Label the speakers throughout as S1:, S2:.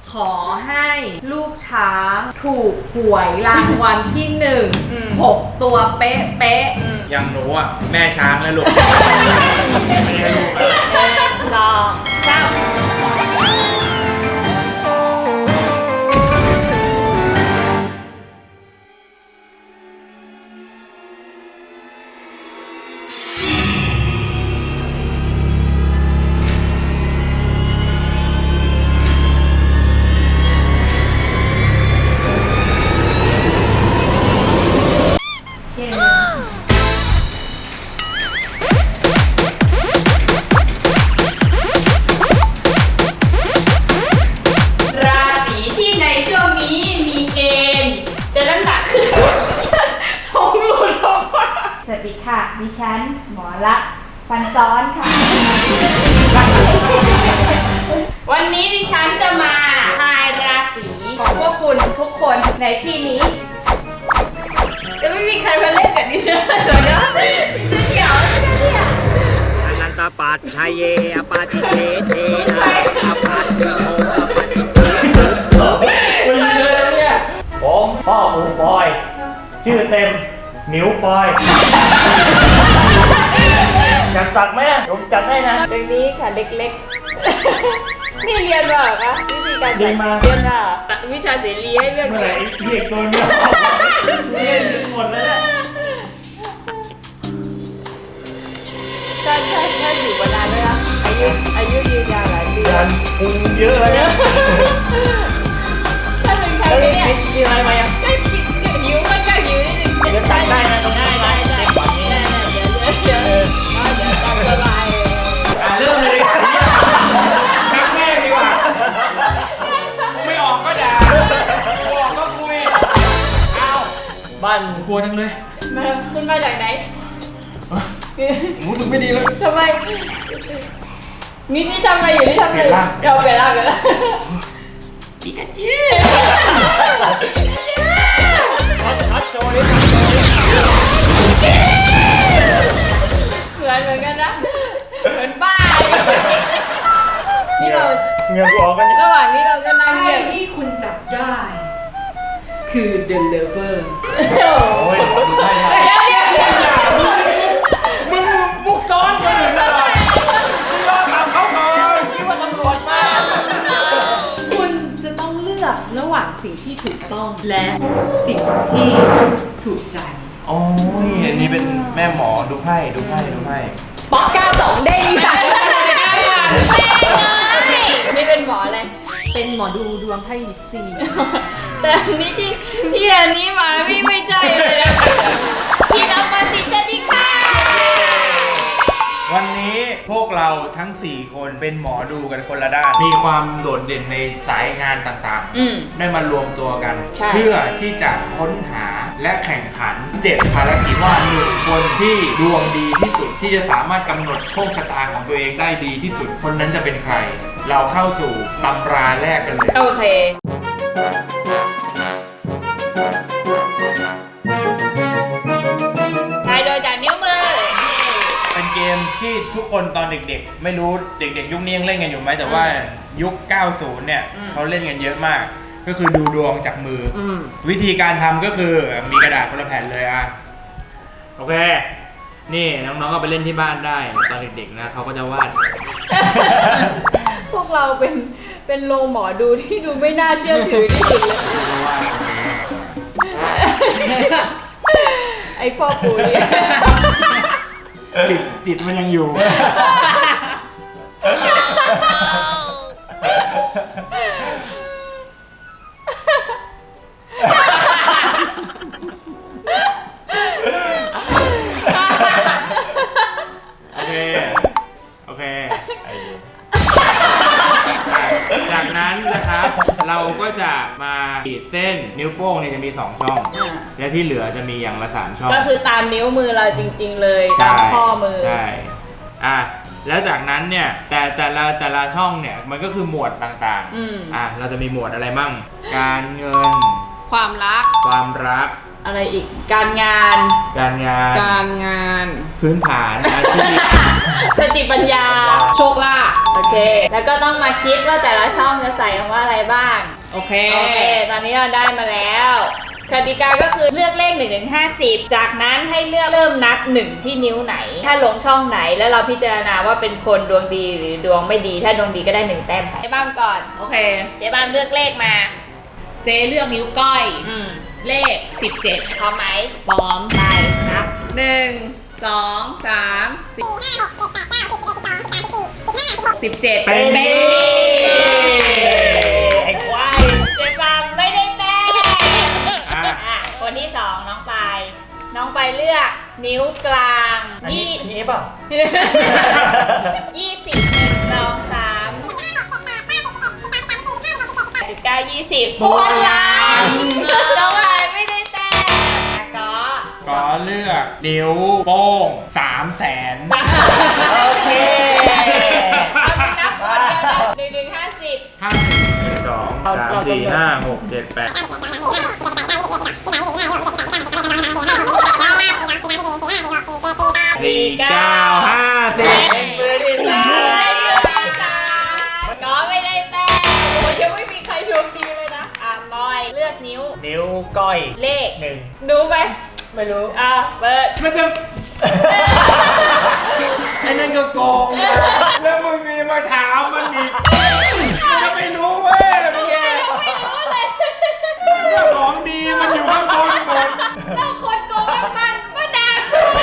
S1: ขอให้ลูกช้างถูกหวยรางวัลที่6 ตัวเป๊ะเป๊ะ
S2: อย่างหนูอ่ะแม่ช้างแล้วลูกไม่ใช่ลูกอะ
S1: ลองเจ้าสวัสดีค่ะดิฉันหมอลักษณ์ฟันซ้อนค่ะ วันนี้ดิฉันจะมาทายราศีของพวกคุณทุกคนในที่นี้จะไม่มีใครมาเล่นกับดิฉันเลยนะดิฉันเหงาเลยเนี่ย
S3: อนันตปัจชัยเยอปาติเทเทนะอปัตติโมอปัตติเท
S4: ไม่ใช่เลยเนี่ยผมพ่อหมูปอยชื่อเต็มหมิวปอยอยากสักไหมผมจัดให้นะ
S1: ตรงนี้ค่ะเล็กๆ นี่เรียนมาเหรอคะวิธีการ
S4: เรียนมา
S1: เรียนมาวิชาเสรีให้เลือก
S4: เมื่อไหร่ไอ้เด็กตัวเนี้ยเล่นหมดแล้วเนี่ย
S1: ถ้าอยู่มานานเลยนะอายุยืนยาวหลายปี
S4: งานพุงเยอะเลยเนี่ย
S1: ถ้าเป็นใคร
S4: แล้วนี่
S1: เนี่ย
S4: มีอะไรมายัง
S1: ก็หิวมันก็หิวนิดนึง
S4: จะจัดได้นะตรงง่ายไหมเด็กแบบนี้
S1: เดี๋ยวตามสบาย
S2: เริ่มเลยดีกว่าทักแม่ดีกว่าไม่ออกก็ด่าออกก็คุยเอา
S4: บ้าน
S2: กลัวจังเลย
S1: มาคุณมาจากไหน
S2: รู้สึกไม่ดีเลย
S1: ทำไมนี่ทำอะไรอยู่นี่ทำอะไร
S2: เปลี่ยนร่าง
S1: เราเปลี่ยนร่างปิกาจู
S4: ชัดโชว์ดิ
S1: เหมือนกันนะเหมือนบ้านี่เรา
S4: เงือกออกกันเนี่ย
S1: ระหว่างนี้เราก็นั่ง
S5: ไพ่
S1: เงียบ
S5: ที่คุณจับได้ คือ The Lover
S4: โอ้ยขอดูให้หน่อย
S2: มึงมุกซ้อนคนอื่นตลอดมึงรอถามเขาก่อน
S4: คิดว่าตำรวจมา
S5: คุณจะต้องเลือกระหว่างสิ่งที่ถูกต้องและสิ่งที่ถูกใจ
S2: โอ้ยอันนี้เป็นแม่หมอดูไพ่ดูไพ่ดูไพ่
S1: ป๊อก92ได้ดีสักนี่เป็นหมออะไร
S5: เป็นหมอดูดวงไพ่ยิปซี
S1: แต่อันนี้ที่อันนี้มาไม่ใช่เลยนะพี่น้องมาสิสวัสดีค่ะ
S2: วันนี้พวกเราทั้ง 4 คนเป็นหมอดูกันคนละด้าน มีความโดดเด่นในสายงานต่างๆ ได้มารวมตัวกัน
S1: ใช่
S2: เพื่อที่จะค้นหาและแข่งขัน 7 ภารกิจว่า1 คนที่ดวงดีที่สุดที่จะสามารถกำหนดโชคชะตาของตัวเองได้ดีที่สุด คนนั้นจะเป็นใคร เราเข้าสู่ตำราแรกกันเลย
S1: โอเคทายโดยจากนิ้วมือ
S2: เป็นเกมที่ทุกคนตอนเด็กๆ ไม่รู้เด็กๆยุคนี้ยังเล่นกันอยู่ไหมแต่ว่ายุค 90 เนี่ยเขาเล่นกันเยอะมาก ก็คือดูดวงจากมืออวิธีการทำก็คือมีกระดาษคนละแผ่นเลยอ่ะโอเค นี่น้องๆก็ไปเล่นที่บ้านได้ตอนเด็กๆนะเขาก็จะวาด
S1: พวกเราเป็นโรงหมอดูที่ดูไม่น่าเชื่อถือที่สุดเลย ไอพ่อปู่เนี่ย
S2: จิตมันยังอยู่ โอเค โอเค จากนั้นนะครับ เราก็จะมาขีดเส้นนิ้วโป้งเนี่ยจะมี 2 ช่อง และที่เหลือจะมีอย่างละ 3 ช่อง
S1: ก็คือตามนิ้วมือเราจริงๆเลยตามข้อมือ
S2: ใช่แล้วจากนั้นเนี่ยแต่ละช่องเนี่ยมันก็คือหมวดต่างๆเราจะมีหมวดอะไรมั่งการเงิน
S1: ความรัก
S2: ความรัก
S1: อะไรอีก การงาน
S2: การงาน
S1: การงาน
S2: พื้นฐานอาชีพ
S1: สติปัญญา โชคลาภโอเค แล้วก็ต้องมาคิดว่าแต่ละช่องจะใส่คำว่าอะไรบ้าง โอเค ตอนนี้เราได้มาแล้วกติกาก็คือเลือกเลข1 ถึง 50 จากนั้นให้เลือกเริ่มนับ1ที่นิ้วไหน ถ้าลงช่องไหนแล้วเราพิจารณาว่าเป็นคนดวงดีหรือดวงไม่ดี ถ้าดวงดีก็ได้1 แต้มเจ๊บ้ามก่อน
S5: โอเค
S1: เจ๊บ้ามเลือกเลขมา
S5: เจเลือกนิ้วก้อย เลข 17
S1: พร้อมไหม
S5: พร้อม
S1: ไปนับ
S5: 1 2 3 17
S2: เป็น
S4: ไอ้ควาย
S1: เจ๊บ้ามไม่ได้แต้ม
S2: อ่ะ
S1: อ่ะคนที่สองน้องปายน้องปายเลือกนิ้วกลาง
S4: อันนี้เปล่า
S1: 19 20บนหลังน้องปายไม่ได้แต้มก็
S2: ก็เลือกนิ้วโป้ง300,000
S4: โอเค
S1: เอาไปนับคนเดียวนะ1 ถึง 50
S2: 50 1 2 3 4 5 6 7 8 4 9 50
S1: ก็ไม่ได้แต้มโอ้ยังไม่มีใครโชคดีเลยนะบอยเลือกนิ้ว
S4: นิ้วก้อย
S1: เลข
S4: 1
S1: ดูไหม
S4: ไม่รู้
S1: เปิด
S2: มันจะไอ้นั่นก็โกงแล้วมึงมีมาถามมันอีกมันจะไม่รู้เว้ยเป็นไงก็ของดีมันอยู่ข้างบนหมด
S1: เราคนโกงมันมาด่า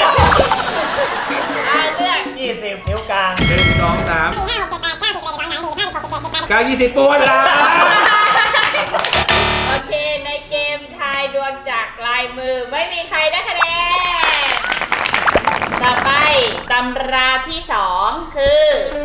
S1: เลือก
S4: 20 นิ้วกลาง
S2: 1 2 3 9 20ปวดละ
S1: โอเคในเกมทายดวงจากลายมือไม่มีใครได้คะแนนต่อไปตำราที่ 2 คือ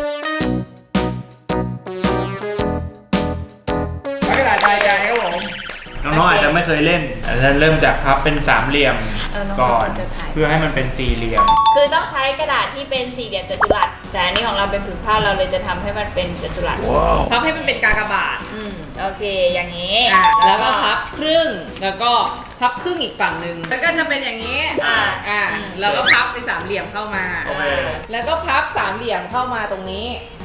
S2: กระดาษทรายใจครับผมน้องๆอาจจะไม่เคยเล่นอาจจะเริ่มจากพับเป็นสามเหลี่ยมก่อน เพื่อให้มันเป็นสี่เหลี่ยม
S1: คือต้องใช้กระดาษที่เป็นสี่เหลี่ยมจัตุรัสแต่อันนี้ของเราเป็นผืนผ้าเราเลยจะทำให้มันเป็นจัตุรัส
S5: พับให้มันเป็นกากบาท
S1: โอเคอย่างนี้
S5: แล้วก็พับครึ่ง แล้วก็พับครึ่งอีกฝั่งหนึ่งแล้วก็จะเป็นอย่างนี้ แล้วก็พับในสามเหลี่ยมเข้ามา
S2: โอเค
S5: แล้วก็พับสามเหลี่ยมเข้ามาตรงนี้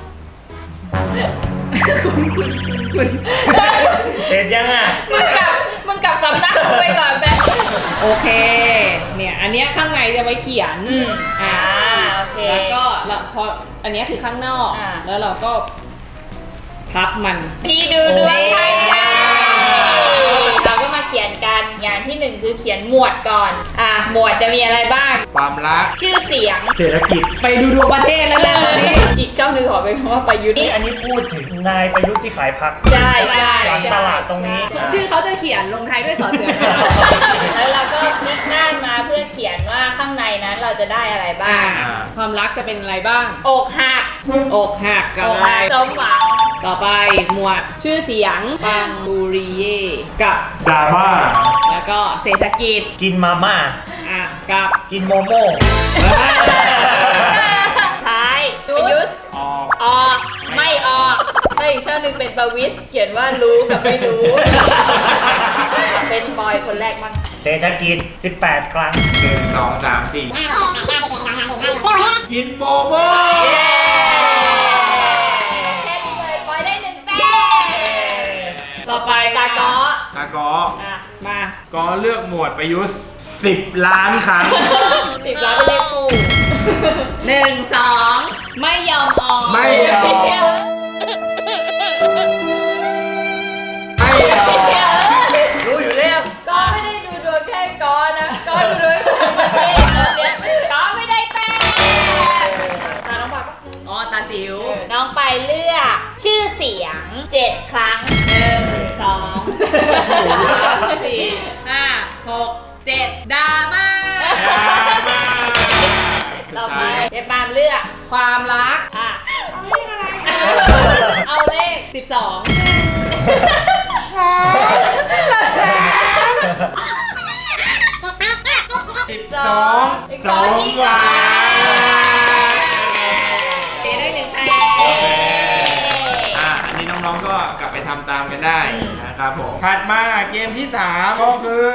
S4: เสร็จยังอ่ะ
S1: มึงกลับสำนักมึงไปก่อนแบ
S5: โอเค เนี่ยอันเนี้ยข้างในจะไว้เขียน
S1: โอเค
S5: แล้วก็พออันเนี้ยคือข้างนอก แล้วเราก็พับมัน
S1: ที่ดูดวงไทยเราก็มาเขียนกันอย่างที่ 1 คือเขียนหมวดก่อนหมวดจะมีอะไรบ้าง
S2: ความรัก
S1: ชื่อเสียง
S2: เศรษฐกิจ
S5: ไปดูดวงประเทศแล้วเนี่ยวันนี้
S1: อีกช่องหนึ่งขอเป็นคำว่าประยุทธ์
S4: นี่อันนี้พูดถึงนายประยุทธ์ที่ขายผัก
S1: ใช่ใช่
S4: หลังตลาดตรงนี้
S5: ชื่อเขาจะเขียนลงท้ายด้วยสอเสือ
S1: แล้วเราก็พลิกด้านมาเพื่อเขียนว่าข้างในนั้นเราจะได้อะไรบ้าง
S5: ความรักจะเป็นอะไรบ้าง
S1: อกหัก
S5: อกหักกับอะไร
S1: สมหวัง
S5: ต่อไปหมวดชื่อเสียงปังบุรีเย่กับ
S2: ดราม่า
S5: แล้วก็เศรษฐกิจ
S4: กินมาม่า
S5: กับ
S4: กินโมโม่
S1: ท้ายประยุทธ์
S2: ออก
S1: ออกไม่ออกแล้วอีกช่องหนึ่งเป็นประวิสเขียนว่ารู้กับไม่รู้ เป็นบอยคนแรกมั้ง
S4: เศรษฐกิจ 18 ครั้ง
S2: 1 2 3 4 กินโมโม่
S1: แค่นี้เลยบอยได้1 แต้ม
S5: ต่อไป
S1: ตาก้อ
S2: ตากอ
S5: มา
S2: ก็เลือกหมวดประยุทธ์10 ล้านครั้ง
S1: 10 ล้านเป็นเลขคู่
S5: 1 2 ไม่ยอมออก
S2: ไม่ยอม ไม่เอา
S4: รู้อยู่แล้ว
S1: ก็ไม่ได้ดูดวงแค่ก้อนะก้อดูดวงทั้งประเทศตอนเนี้ยก้อไม่ได้แต้มตาน้องปายปะ
S5: อ๋อตาจิ๋ว
S1: น้องไปายเลือกชื่อเสียง 7 ครั้ง
S5: 1 2 3 4 5 6 7ดราม่า
S1: เราไปเจ๊ปามเลือก
S5: ความรัก
S1: เอาเลข
S5: 12
S2: 12
S1: ก้อที่
S2: กว่า
S1: เจ๊ได้1 คะแนน
S2: อันนี้น้องๆก็กลับไปทำตามกันได้นะครับผมถัดมาเกมที่ 3 ก็คือ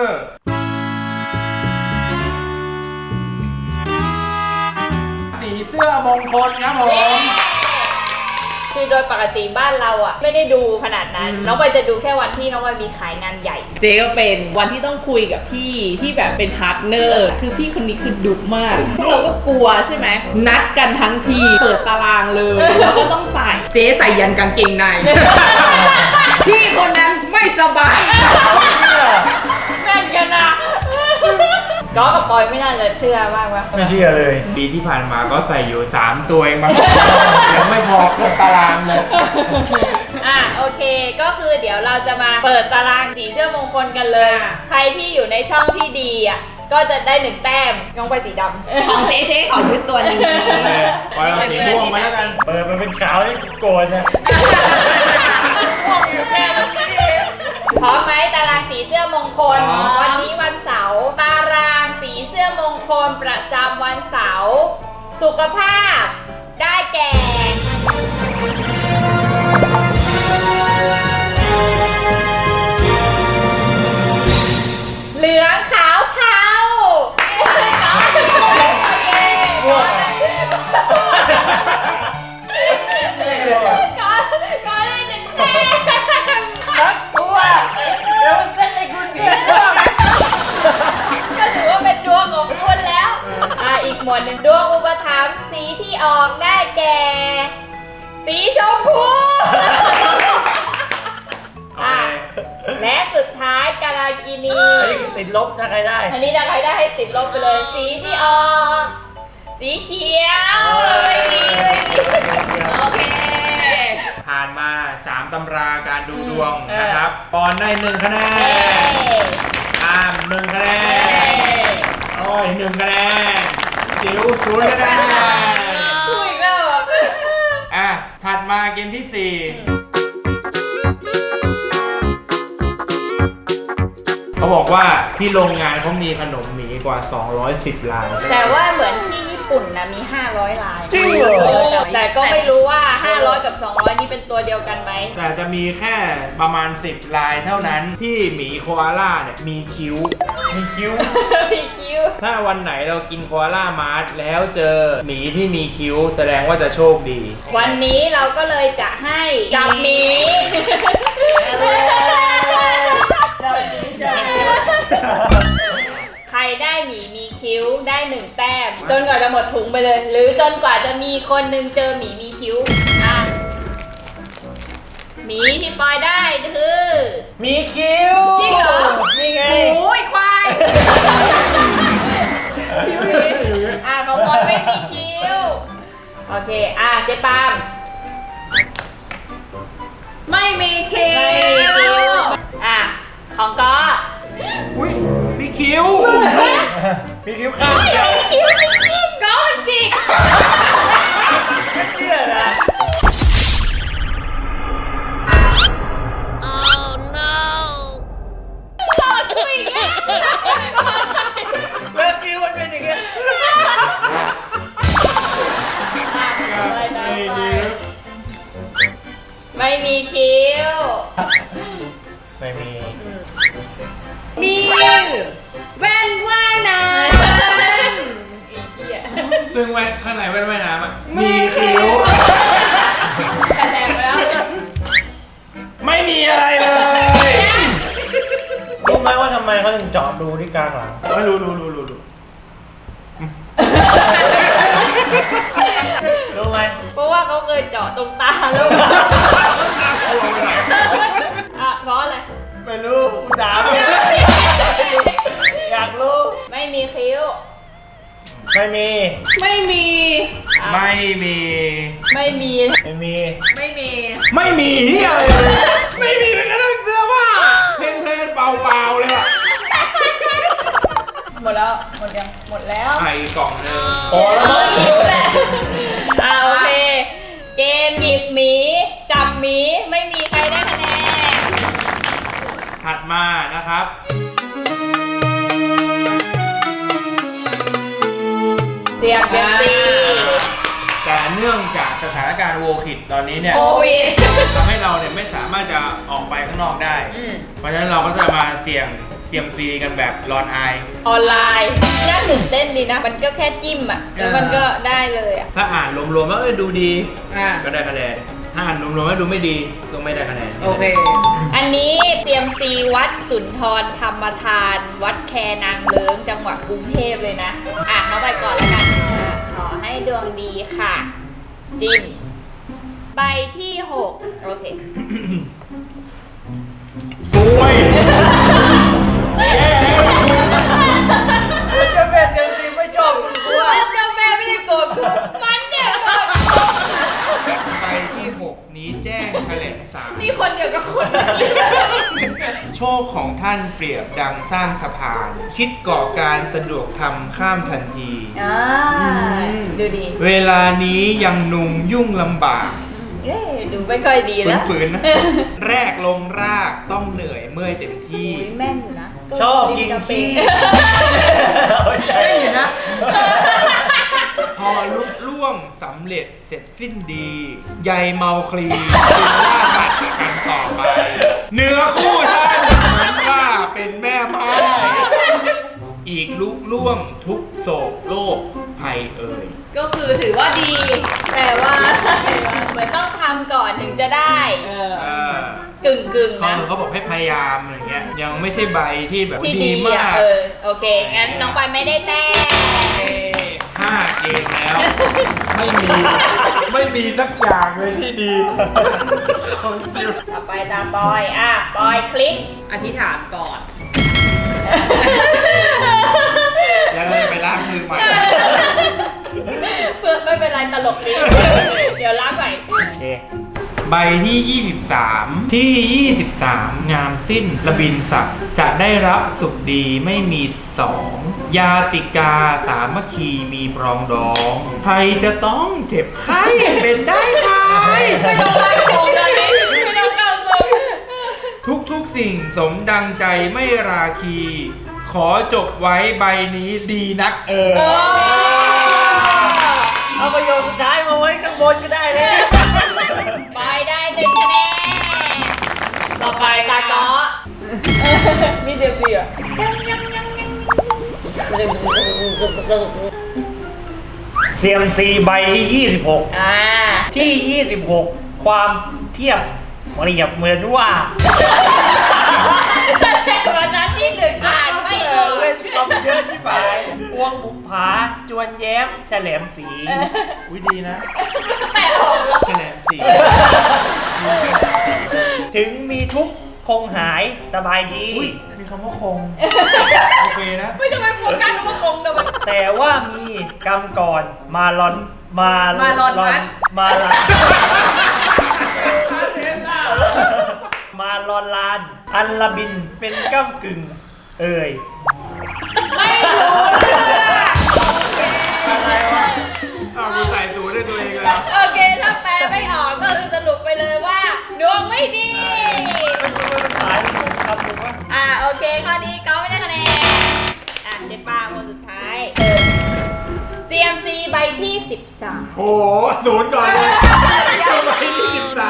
S2: สีเสื้อมงคลครับผม
S1: คือโดยปกติบ้านเราอ่ะไม่ได้ดูขนาดนั้น น้องใบจะดูแค่วันที่น้องใบมีขายงานใหญ่
S5: เจ๊ก็เป็นวันที่ต้องคุยกับพี่ที่แบบเป็นพาร์ทเนอร์ คือพี่คนนี้คือดุมากพวกเราก็กลัวใช่ไหมนัดกันทั้งทีเปิดตารางเลยแล้วก็ต้องใส่เจ๊ใส่ยันกางเกงใน พี่คนนั้นไม่สบาย
S1: แม่นกันนะก็กับปอยไม่น่าจะเชื่อบ้างวะ
S4: ไม่เชื่อเลย
S2: ปีที่ผ่านมาก็ใส่อยู่ 3 ตัวเองมั้ง ยังไม่พอครบตารางเลย
S1: โอเคก็คือเดี๋ยวเราจะมาเปิดตารางสีเสื้อมงคลกันเลย ใครที่อยู่ในช่องที่ดีอ่ะก็จะได้1 แต้มน้องใบสีดำ
S5: ของเจ๊ขอยึดตัวนี้
S2: ปล่อยเอาสีม่วงมาแล้วกัน
S4: เปิดมันเป็นขาวนี่โกรธเนี่ย
S1: พร้อมไหมตารางสีเสื้อมงคลวันนี้วันเสาร์ตารางสีเสื้อมงคลประจำวันเสาร์สุขภาพได้แก่เหลืองขาวเทาโอเคก็ได้1 แต้ม
S4: ตัวเดี๋ยวมันเส้นไอ้คุณหนีว่ะ
S1: ก็ถือว่าเป็นดวงของคุณแล้ว อีกหมวดหนึ่งดวงอุปถัมภ์สีที่ออกได้แก่ สีชมพู และสุดท้ายกาลากินี
S4: ไอ้ติดลบนะใครได้
S1: อันนี้ถ้าใครได้ให้ติดลบไปเลย สีที่ออก สีเขียว
S5: โอเค
S2: ผ่านมา 3 ตำราการดูดวงนะครับปอนได้1 คะแนนอาม1 คะแนนโอ้ย1 คะแนนจิ๋ว0 คะแนน
S1: คุยแล้ว
S2: ถัดมาเกมที่ 4เขาบอกว่าที่โรงงานเขามีขนมหมีกว่า 210 ล้าน
S1: แต่ว่าเหมือนที่ญี่ปุ่นนะมี500 ลาย
S4: จริงเหรอ
S1: แต่ก็ไม่รู้ว่า500กับ200นี่เป็นตัวเดียวกันไหม
S2: แต่จะมีแค่ประมาณ10 ลายเท่านั้นที่หมีโคอาล่าเนี่ยมีคิ้ว
S4: มีคิ้ว
S1: มีคิ้ว
S2: ถ้าวันไหนเรากินโคอาล่ามาร์ทแล้วเจอหมีที่มีคิ้ว แสดงว่าจะโชคดี
S1: วันนี้เราก็เลยจะให้จับหมีใครได้หมีมีคิ้วได้1 แต้ม จนกว่าจะหมดถุงไปเลย หรือจนกว่าจะมีคนหนึ่งเจอหมีมีคิ้วหมีที่ปอยได้คือ
S4: มีคิ้ว
S1: จริงเหรอ
S4: นี่ไง
S5: โอ้ยควาย
S1: ของปอยไม่มีคิ้ว โอเคเจ๊ปาม
S5: ไม่มีคิ
S1: ไม่มีคิ้
S5: ้
S1: ว
S5: ว
S1: ของก็
S2: อุ้ยมีคิ้ว
S4: มีคิ้วข้าง
S1: ไม่
S4: เดียว
S1: มีคิ้วจริง
S5: ก็มันจิก
S4: ไม่เชื่อนะ
S1: ๆหลอกคุยกัน
S4: แล้วคิ้วมันเป็นอย่างเงี้ย
S1: ไม่มีคิ้ว
S4: ไม่มี
S5: มีแว่นว่ายน้
S2: ซึ่งแว่นข้างในแว่นว่ายน้ำอ่ะ
S5: ำมีคิ้ว
S1: คะแนนไปแล้ว
S2: ไม่มีอะไรเลย
S4: รู้ไหมว่าทำไมเขาถึงเจาะดูที่กลางหลัง
S2: ไม่รู้
S4: รู้ไหม
S1: เพราะว่าเขาเคยเจาะตรงตาแล้วเพราะอะไร
S4: ไม่รู้กูถามอยากรู้
S1: ไม่มีคิ้ว
S4: ไม่มี
S5: ไม่มี
S2: ไม่มี
S1: ไม่มี
S4: ไม่มี
S5: ไม่มี
S2: ไม่มีเฮียอะไรเลย ไม่มีเป็นกระทั่งเสื้อผ้าเพลนเปล่าๆเลยอ่ะ
S1: หมดแล้ว หมดยัง หมดแล้ว
S2: ไอ้กล่องนึง
S4: พอแล้วมั้ง
S1: คิ้วแหละโอเค เกมหยิบหมี จับหมี ไม่มีใครได้คะแนน
S2: ถัดมานะครับ
S1: เสียงเซียมซี
S2: แต่เนื่องจากสถานานการณ์โวคิดตอนนี้เนี่ย
S1: โควิด
S2: ทำให้เราเนี่ยไม่สามารถจะออกไปข้างนอกได้ เพราะฉะนั้นเราก็จะมาเสี่ยงเซียมซีกันแบบรอนไอ
S1: ออนไลน์น่าตื่นเต้นดีนะ มันก็แค่จิ้มอ่ะ แล้วมันก็ได้เลยอ่ะ
S2: ถ้าอ่านรวมๆว่าดูดี
S5: อ่ะ
S2: ก็ได้คะแนนถ้าอ่านรวมๆว่าดูไม่ดีก็ไม่ได้คะแนน
S5: โอเค
S1: อันนี้เซียมซีวัดสุนทรธรรมทาน วัดแคนางเลิ้งจังหวัดกรุงเทพเลยนะ อ่ะเข้าไปก่อนแล้วกันขอให้ดวงดีค่ะ จิ้ม ใบที่ 6 โอเค
S2: สวยจะเป็นเซียมซีไม่ชอบคุณกูอะ
S1: เจ้าแม่ไม่ได้โกรธกูมันเนี่ยโกรธ
S2: ใบที่ 6 นี้แจ้งแถลงศาล
S1: มีคนเดียวกับคนเมื่อกี้
S2: โชคของท่านเปรียบดังสร้างสะพาน คิดก่อการสะดวกทำข้ามทันที
S1: ดูดี
S2: เวลานี้ยังนุ่งยุ่งลำบาก
S1: ดูไม่ค่อยดีแล้ว
S2: ฝืนๆนะ แรกลงรากต้องเหนื่อยเมื่อยเต็มที่
S1: แม่นอยู่นะ
S4: ชอบกินขี้ใช่นะ
S2: พอลุล่วงสำเร็จเสร็จสิ้นดีใยเมาคลีจึงล่าสัตว์กันต่อไป เนื้อคู่ท่านเหมือนว่าเป็นแม่ไม้อีกลุล่วงทุกโศกโลกภัยเอ่ย
S5: ก็คือถือว่าดี
S1: แต่ว่าเหมือนต้องทำก่อนถึงจะได้ กึ่งๆ
S2: เขา
S1: นะ
S2: เขาบอกให้พยายามอะไรเงี้ยยังไม่ใช่ใบที่แบบ
S1: ที่
S2: ดี
S1: ดี
S2: มา
S1: อ่ะ
S2: ก
S1: โอเค งั้นน้องปายไม่ได้แต้ม
S2: 5 เกมแล้ว ไม่มีสักอย่างเลยที่ดีของจริง
S1: ต่อไปตามปอยปอยคลิก
S5: อธิษฐานก่อน
S2: แล้วเราจะไปล้างมือใหม่
S1: เพื่อไม่เป็นไรตลกดี เดี๋ยวล้างใหม่
S4: โอเค
S2: ใบที่ 23 ที่ 23 งามสิ้นระบินศักดิ์จะได้รับสุขดีไม่มีสองยาติกาสามัคคีมีปรองดองใครจะต้องเจ็บไข้เป็นได้ไหม
S1: ไม่ต้องล้างโครงเลยไม่ต้องล้างโครง
S2: ทุกสิ่งสมดังใจไม่ราคี ขอจบไว้ใบนี้ดีนัก
S4: เอาประโยคสุดท้ายมาไว้ข้างบนก็ได้เลย
S1: ปอยได้1 คะแนน ต่อไปตาเกาะมีเดียวเดียว
S4: เซียมซีใบที่ 26 ที่ 26 ความเทียบเปรียบเหมือนว่า
S1: แต่วันนั้นที่1อ่านไม่ออก
S4: เล่นคำเยอะที่ฝ่ายพวงบุภาจวนแย้มแฉลมสี
S2: อุ้ยดีนะ
S1: แต่ออกแล้ว
S2: แฉลมสี
S4: ถึงมีทุกข์คงหายสบายดี
S2: อุ้ยมีคำว่าคง โอเคนะ
S1: ไม่ต้องไปโฟกัสว่าคงเดี๋ยวมัน
S4: แต่ว่ามีกรรมก่อนมาลอนมา
S5: มาลอนมัส
S4: มาลอนมาลอนลานอันละบินเป็นก้ำกึ่ง เอ่ย
S1: ไม่รู้
S4: อะไรวะ
S2: อ้าวกูใส่สูตรด้วยตัวเองเลย
S1: โอเค ถ้าแปลไม่ออกก็คือสรุปไปเลยว่าดวงไม่ดี
S4: ขายเป็นคำหนึ่งว่า
S1: โอเค ข้อนี้ก็ไม่ได้คะแนน เจ๊ป้าคนสุดท้าย CMC ใบที่ 13
S2: โอ้โหศูนย์ก่อนเลยใบที่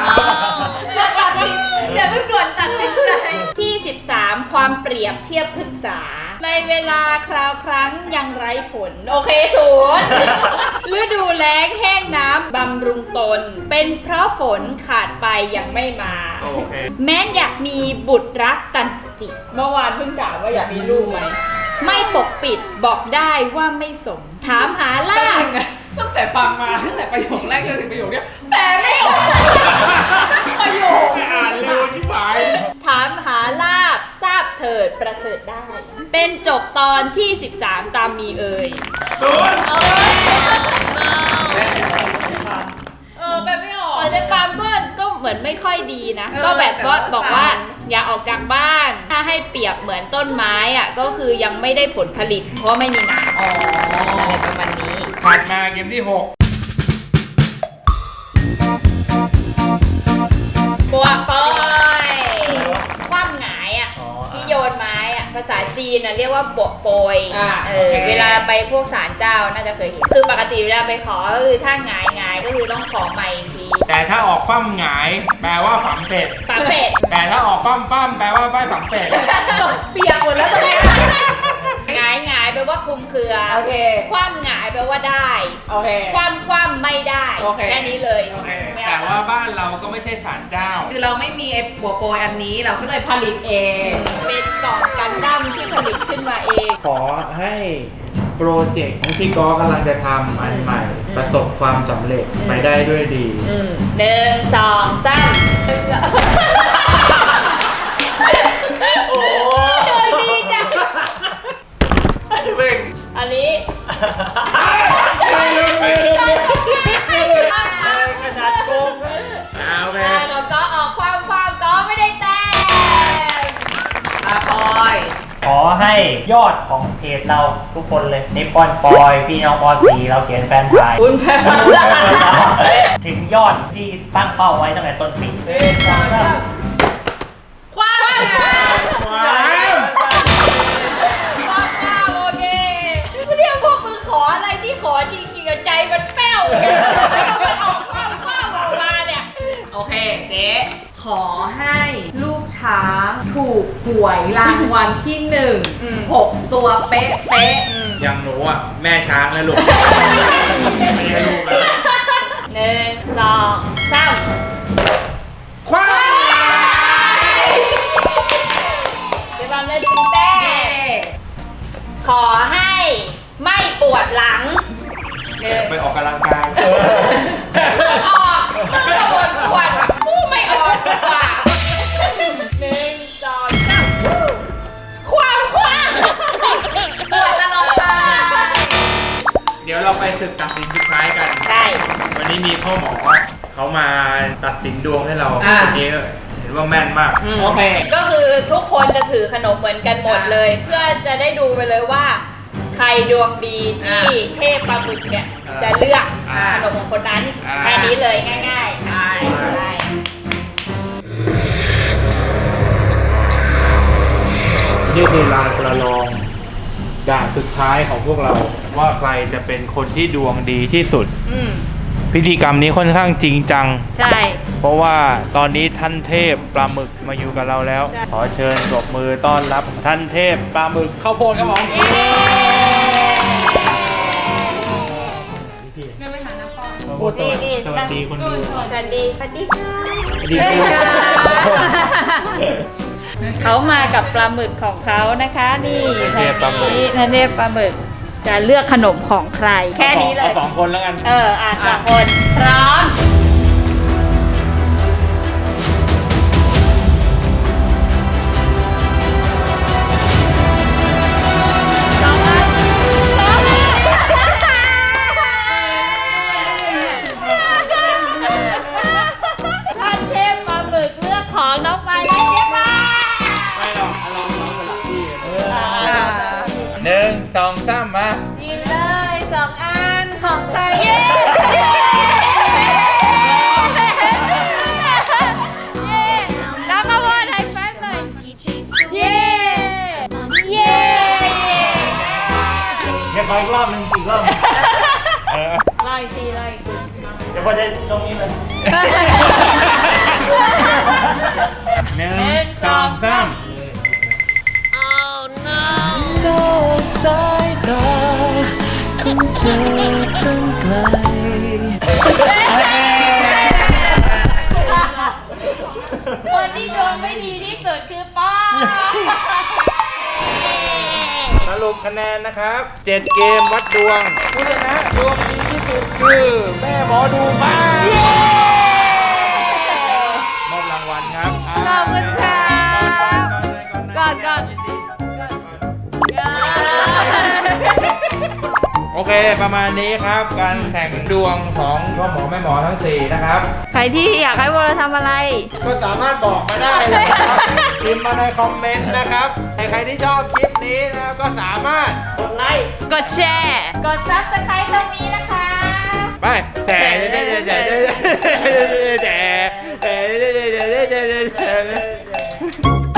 S5: อย่าเพิ่งด่วนตัดสินใจ
S1: ที่ 13 ความเปรียบเทียบพฤกษา ในเวลาคราวครั้งยังไร้ผล โอเคศูนย์ ฤดูแล้งแห้งน้ำบำรุงตน เป็นเพราะฝนขาดไปยังไม่มา
S2: 13 โอเค
S1: แม้นอยากมีบุตรรักตันจิต เมื่อวานเพิ่งถามว่าอยากมีลูกไหม ไม่ปกปิดบอกได้ว่าไม่สม ถามหาล่า
S5: แป๊บนึงนะตั้งแต่ฟังมาตั้งแต่ประโยคแรกจนถึงประโยคเนี้ยแปลไม่ออกประโยค
S2: อ่านเร็วชิบหาย
S1: ถามหาลาบทราบเถิดประเสริฐได้ เป็นจบตอนที่ 13 ตามมีเอ่ย
S2: ศูนย์
S5: แปลไม่ออก
S1: เจ๊ปามก็เหมือนไม่ค่อยดีนะ
S5: เออ
S1: ก็แบบว่า
S5: แต่ว่า
S1: บอกว่าอย่าออกจากบ้าน ถ้าให้เปรียบเหมือนต้นไม้อ่ะก็คือยังไม่ได้ผลผลิต เพราะไม่มีน้ำอะไรประมาณนี้
S2: ถัดมาเกมที่ 6
S1: ปวกปอยคว่ำหงายอ่ะ
S4: อ๋อ
S1: ที่โยนไม้อ่ะภาษาจีนน่ะเรียกว่าปวกโปย
S5: โอเค
S1: เวลาไปพวกศาลเจ้าน่าจะเคยเห็น คือปกติเวลาไปขอก็คือถ้าหงายก็คือต้องขอใหม่อีกที
S2: แต่ถ้าออกฟั่มหงายแปลว่าฝังเป็ด
S1: ฝาเป็ด
S2: แต่ถ้าออกฟั่มปั้มแปลว่าไฟฝังเป็ด
S5: ตกเปียกหมดแล้วตรงนี้
S1: หงายหงายแปลว่าคลุมเครือ
S5: โอเค
S1: คว่ำหงายแปลว่าได้
S5: โอเค
S1: คว่ำไม่ได้
S5: โอเค
S1: แค่นี้เลย
S2: แต่ว่าบ้านเราก็ไม่ใช่ศาลเจ้า
S5: คือเราไม่มีไอ้บัวโปรยอันนี้เราก็เลยผลิตเอง
S1: เป็นกล่องกันดั้มที่ผลิตขึ้นมาเอง
S2: ขอให้โปรเจกต์ที่พี่กอกำลังจะทำอันใหม่ ประสบความสำเร็จไปได้ด้วยดี
S1: 1 2 3โอ้ดีจัง
S2: เว้ง
S1: อันนี้
S4: ขนาดโกง
S2: เอาไป
S1: แล้วก็ออกความก็ไม่ได้แต้ม
S5: อาปอย
S4: ขอให้ยอดของเพจเราทุกคนเลยนิปปอนปอยพี่น้องปอสีเราเขียนแฟนไทย
S5: คุณแพ้
S4: ถึงยอดที่ตั้งเป้าไว้ตั้งแต่ต้นปี
S1: ความ
S2: ว้าว
S1: โอเคเรียกพวกมึงขออะไรที่ขอจริงๆใจมันแป้วแล้วมันออกความออกมาเนี่ย
S5: โอเคเจ๊ขอให้ลูกช้างถูกหวยรางวัลที่6 ตัวเป๊ะ
S2: อย่างหนูอ่ะ แม่ช้างแล้วลูก ไม่ใช่ลูกแล้ว
S1: 1 2 3
S2: คว้า
S1: เดี๋ยวมันได้ดึงแต้
S5: เย้
S1: มขอให้ไม่ปวดหลัง
S2: ไปออกกำลังกาย
S1: เลือกออกมึงจะบ่นปวดกูไม่ออกดีกว่า1 2 3ความปวดตลอดไป
S2: เดี๋ยวเราไปศึกตัดสินสุดท้ายกัน
S1: ใช่
S2: วันนี้มีพ่อหมอเขามาตัดสินดวงให้เรา
S5: อ่า
S2: เมื่อกี้เห็นว่าแม่นมาก
S5: โอเค
S1: ก็คือทุกคนจะถือขนมเหมือนกันหมดเลย เพื่อจะได้ดูไปเลยว่า ใครดวงดีที่เทพปลาหมึกเนี่ยจะเลือกขนมของคนนั้นแค่นี้เลยง่ายๆใช่
S2: นี่คือลานประลองด่านสุดท้ายของพวกเราว่าใครจะเป็นคนที่ดวงดีที่สุด พิธีกรรมนี้ค่อนข้างจริงจัง
S1: ใช่
S2: เพราะว่าตอนนี้ท่านเทพปลาหมึกมาอยู่กับเราแล้ว ขอเชิญปรบมือต้อนรับท่านเทพปลาหมึกข้าวโพดครับผม
S4: พูดสวัสดี
S2: สวัสดีคนดู
S1: สวัสดีค่ะ
S2: สวัสดีครับ
S1: เขามากับปลาหมึกของเขานะคะ นี่
S2: เทพปลาหมึก
S1: ท่านเทพปลาหมึกจะเลือกขนมของใคร แค่นี้เลย
S2: อา2 คนแล้วกัน
S1: สองคนพร้อมท่านเทพปลาหมึกเลือกของน้องไปและเจ๊ป้า
S2: ไม่หรอกลองสลับที่ 1 2 3 มา
S1: ยิงเลย2 อันของใครเย้ น้ำมาบอลไฮไฟว์หน่อยเย้ เย้
S4: เดี๋ยวขออีกรอบหนึงอีกรอบหนึ่ง
S1: ไล่ทีไล่ที
S4: เดี๋ยวพอจะตรงนี้เลย
S2: 1 2 3
S6: โลกสายตาของเธอตั้งไกล
S1: คนที่ดวงไม่ดีที่สุดคือป้า
S2: สรุปคะแนนนะครับ 7 เกมวัดดวง ผู้ชนะดวงดีที่สุดคือแม่หมอดูป้ามอบรางวัลครับ
S1: ขอบคุณครับ ก่อน
S2: โอเคประมาณนี้ครับ การแข่งดวงของพ่อหมอแม่หมอทั้ง 4 นะครับ
S1: ใครที่อยากให้พวกเราทำอะไร
S2: ก็สามารถบอกมาได้นะครับพิมพ์มาในคอมเมนต์นะครับใครที่ชอบคลิปนี้นะครับก็สามารถ
S4: กดไลค์
S1: กดแชร์ กด Subscribe ตรงนี้นะคะ
S2: ไปแชร์แชร์แชร์แชร์แชร์แชร์แชร์